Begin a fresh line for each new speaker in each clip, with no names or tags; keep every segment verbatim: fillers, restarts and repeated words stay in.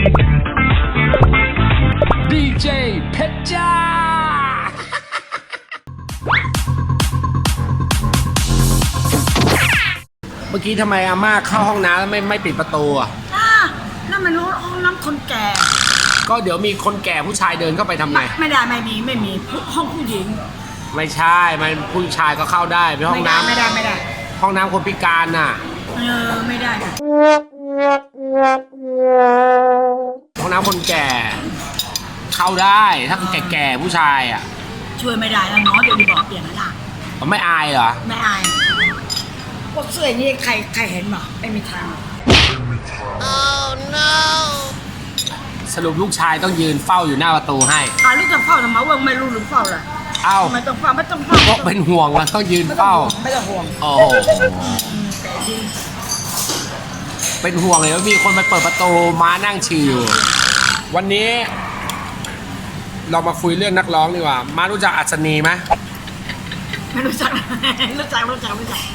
ดีเจเพชรจ้าเมื่อกี้ทำไมอาม่าเข้าห้องน้ำแล้วไม่ไม่ปิดประตูอ่ะ
นั่นมันห้องน้ำคนแก่
ก็เดี๋ยวมีคนแก่ผู้ชายเดินเข้าไปทำไง
ไม่ได้ไม่มีไม่มีห้องผู้หญิง
ไม่ใช่มันผู้ชายก็เข้าได้ไปห้องน้ำ
ไม่ได้ไม่ได้
ห้องน้ำคนพิการน่ะ
เออไม่ได้ค่ะ
ห้องน้ำคนแก่เข้าได้ถ้าแก่ๆผู้ชายอ่ะ
ช่วยไม่ได้แล้วเนาะเดี๋ยวดีบอกเปลี่ยนแล้วล่ะ
ไม่อายเหรอ
ไม่อายพวกเสื้อนี่ใครใครเห็นหรอไม่มีทาง
Oh no
สรุปลูกชายต้องยืนเฝ้าอยู่หน้าประตูให้
อ่าลูกจะเฝ้าทำไมว่าไม่รู้หรือเฝ้าล่ะ
เอ้า
ไม่ต้องเฝ้าไม่ต้องเฝ้า
พวกเป็นห่วงว่าต้องยืนเฝ้า
ไม่ต้องห่วง
โอ้โหเป็นห่วงเลยว่ามีคนมาเปิดประตูม้านั่งชิววันนี้เรามาคุยเรื่องนักร้องดีกว่ามารู้จักอัศนีไหม
ไม่รู้จักรู้จักรู้จักรู้จัก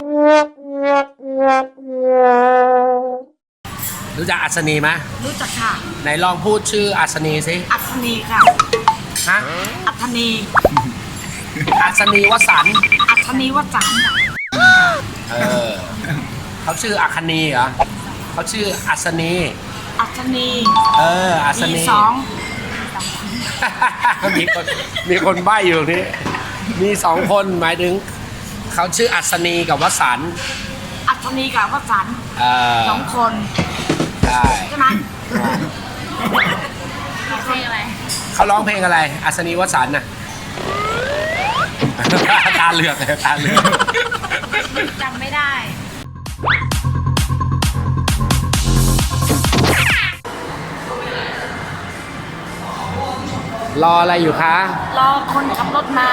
รู้จักอัศนีไหม
รู้จักค่ะ
ไหนลองพูดชื่ออัศนีสิ
อัศนีค่ะ
ฮะ
อัศนี
อัศนีวสันต์
อัศนีวสันต์
เออเขาชื่ออัคนีเหรอเขาชื่ออัศนี
อัศนี
เอออัศนี
สอง
มีคนมีคนใบ้อยู่ตรงนี้มีสองคนหมายถึงเขาชื่ออัศนีกับวสันต์
อัศนีกับวสันต์สองคน
ใช่
ใช่ไหม
เพลงอะไร
เขาร้องเพลงอะไรอัศนีวสันต์น่ะตาเหลือกเลยตาเหลือก
จำไม่ได้
รออะไรอยู่คะ
รอคนขับรถมา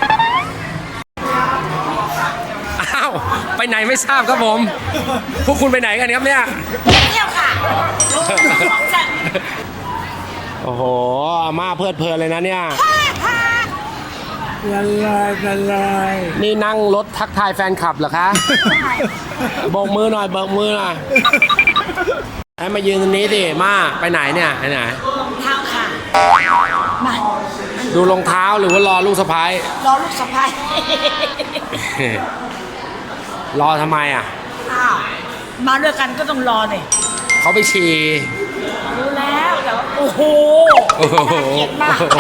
อ้าวไปไหนไม่ทราบครับผมพวกคุณไปไหนกันครับเนี่ย
เที่ยวค่ะ
โอ้โหอาม่าเพลิดเพลินเลยนะเนี่ย
ละลายละลาย
นี่นั่งรถทักทายแฟนคลับเหรอคะโบกมือหน่อยโบกมือหน่อยให้มายืนตรงนี้ดิมาไปไหนเนี่ยไปไหน
รองเท้าค่ะมา
ดูรองเท้าหรือว่ารอลูกสะใภ้
รอลูกสะใภ้
รอทำไมอ่ะ
อ้าวมาด้วยกันก็ต้องรอเลย
เขาไปฉี่
รู้แล้วแต่ว่าโอ้โหเกลียดมาก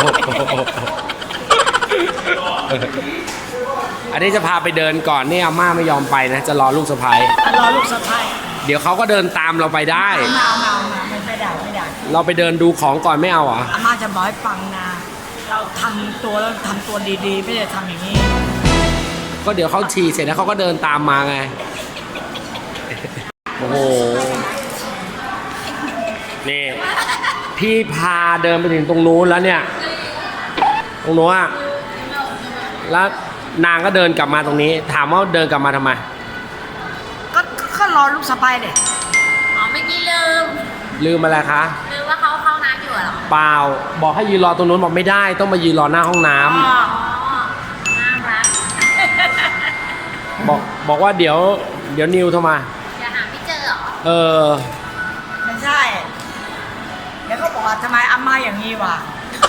อันนี้จะพาไปเดินก่อนนี่อาม่าไม่ยอมไปนะจะรอลูกสะใภ้
รอลูกสะใภ้
เดี๋ยวเขาก็เดินตามเราไปได้
ไม่เอาไม่เอาไม่ได้ไม่ได้
เราไปเดินดูของก่อนไม่เอาเหรอ
อาม่าจะบอกให้ฟังนะเราทำตัวแล้วทำตัวดีๆไม่ได้ทำอย่างนี้
ก็เดี๋ยวเขาฉี่เสร็จแล้วเขาก็เดินตามมาไงโอ้โหนี่พี่พาเดินไปถึงตรงนู้นแล้วเนี่ยตรงนู้นอะแล้วนางก็เดินกลับมาตรงนี้ถามว่าเดินกลับมาทำไม
ก็ก็รอลูกสะใภ้เด็ก
อ๋อเมื่อกี้ลืม
ลืมอะไรคะ
ลืมว่าเขาเข้าน้ำอยู่เหรอ
เปล่าบอกให้ยืนรอตรงนู้นบอกไม่ได้ต้องมายืนรอหน้าห้องน้ำ
อ๋อน่ารัก
บอกบอกว่าเดี๋ยวเดี๋ยวนิวโทรมา
อย่าหาไม่เจอเหรอ
เออ
ไม่ใช่เดี๋ยวเขาบอกว่าทำไมอาม่าอย่างนี้วะ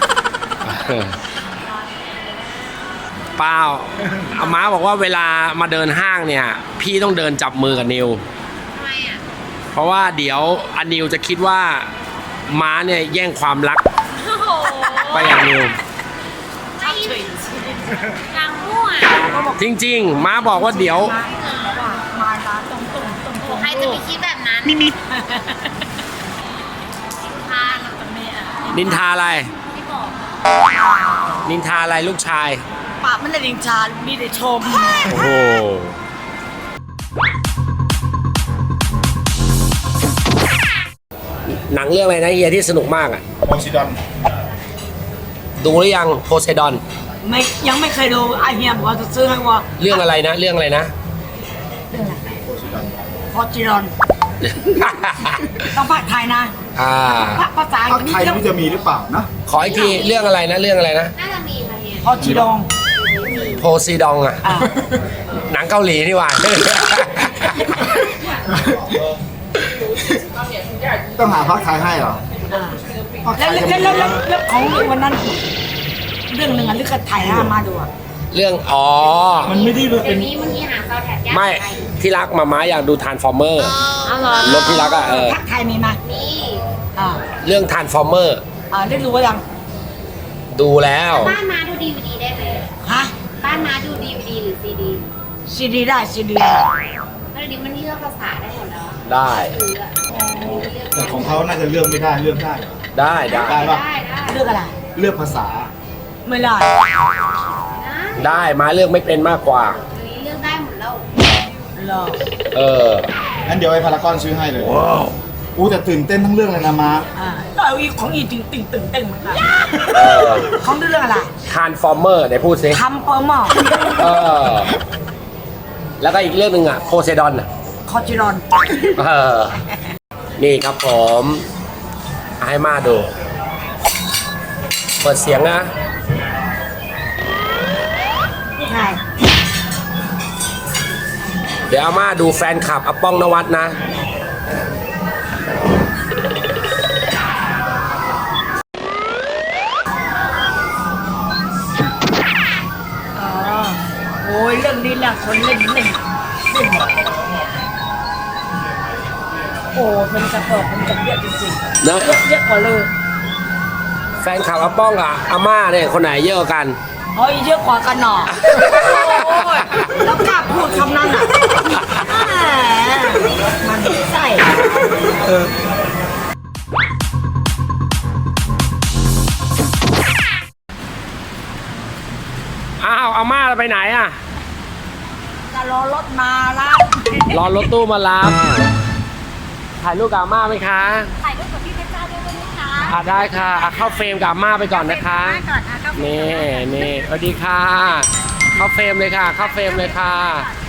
เปล่าอาม้าบอกว่าเวลามาเดินห้างเนี่ยพี่ต้องเดินจับมือกับนิว
ทำไมอ่ะ
เพราะว่าเดี๋ยวอนิวจะคิดว่าม้าเนี่ยแย่งความรักไปอย่างนิว
กลางมั่ว
จริงๆม้าบอกว่าเดี๋ยว
มาร้านตรงตรงตรงตรง
ใครจะไปคิดแบบนั้น
นิมิตนินทาอะไรนินทาอะไรลูกชาย
ปากมันได้นินทามีแต่ชม
โอ้โหหนังเรื่องอะไรนะเฮียที่สนุกมากอ่ะ
โพไซดอน
ดูหรือยังโพไซดอน
ไม่ยังไม่เคยดูไอเฮียบอกว่าจะซื้อให้ว่า
เรื่องอะไรนะเรื่องอะไรนะ
โพไซดอนต้องภาคไทยนะ
อ่า
ภาษา
ภาคไทยมันจะมีหรือเปล่านะ
ขออีกทีเรื่องอะไรนะเรื่องอะไรนะ
น่าจะมี
โพไซดอน
โพไซดอนอ่ะหนังเกาหลีนี่หว่า
ต้องหาภาคไทยให้เหรอ
แล้วแล้วแล้วแล้วแล้วของวันนั้น เรื่องหนึ่งอ่ะลึกกับถ่ายให้อามาดูอ่ะ
เรื่องอ๋อ
มันไม่ได้เป็
เดี๋ย
น
วนี้บางทีหาซาวแท็กยาก
ไม่ที่รักมาม้าอยากดูทานฟอร์เมอร์
เอาเหรอ
รถที่รักอะเออ
ทักไทยมีไหม
มี
อ่า
เรื่องทานฟอร์เมอร์
อ่าได้รู้ว่ายัง
ดูแล้ว
บ้านมาดูดีวดีได้ไหม
ฮะ
บ้านมาดูดีวดีหรือซีดี
ซีดีได้ซีดี
แล้วเดี๋ยวนี้มันเลือกภาษาได้หมดแล้ว
ได้
ซื้ออะ
แต่ของเขาน่าจะเลือกไม่ได้เลือกได้เหรอ
ได้ได้
ได้ปะ
ได้ได้
เลือกอะไร
เลือกภาษา
ไม่ได้
ได้มาเลือกไม่เป็นมากกว่า
เดี๋ยวนี้เลือกได้หมดแล้ว
เหรอ
เออ
งั้นเดี๋ยวไอ้พารากอนซื้อให้เลยว้าวอู้แต่ตื่นเต้นทั้งเรื่องเลยนะมา
อ่าก็เอาอีกของอีตึงตึงตึงตึงเหมือนกัน
เออ
ของเรื่องอะไร
ทานฟอร์เมอร์ไหนพูดสิ
ทำเปอร์มอ
เออ แล้วก็อีกเรื่องหนึ่งอ่ะโพไซดอนอ่ะ
คอจิรอน
เออ นี่ครับผมให้มาดู เปิดเสียงนะ
ใช่
เดี๋ยวอาม่าดูแฟนคลับอาป้องนวัดนะ
อ๋อโอ้ยเรื่องนี้แหละคนเล่นเล่นเล่นหมดโอ้มันจะเปิดมันจะเยอะจริงๆ
นะ
เยอะเยอะกว่าเลย
แฟนคลับอาป้องกับอาม่าเนี่ยคนไหนเยอะกว่ากัน
เฮ้ยเยอะกว่ากันหนอโอ้ยแล้วกล้าพูดคำนั้นอ่ะแหมมันใส่
อ้าวอาม่าไปไหนอ่ะ
จะรอรถมาแล้ว
รอรถตู้มารับ ถ่ายรูปกับอาม่าไหมคะ
ถ่ายรูปกับพี่เพชรจ้าด้วยได้ไหมคะ
อ่ะได้ค่ะอ่ะเข้าเฟรมกับอาม่าไปก่อนนะคะ
ก่อนนะก็
นี่นี่สวัสดีค่ะ เข้าเฟรมเลยค่ะ เข้าเฟรมเลยค่ะ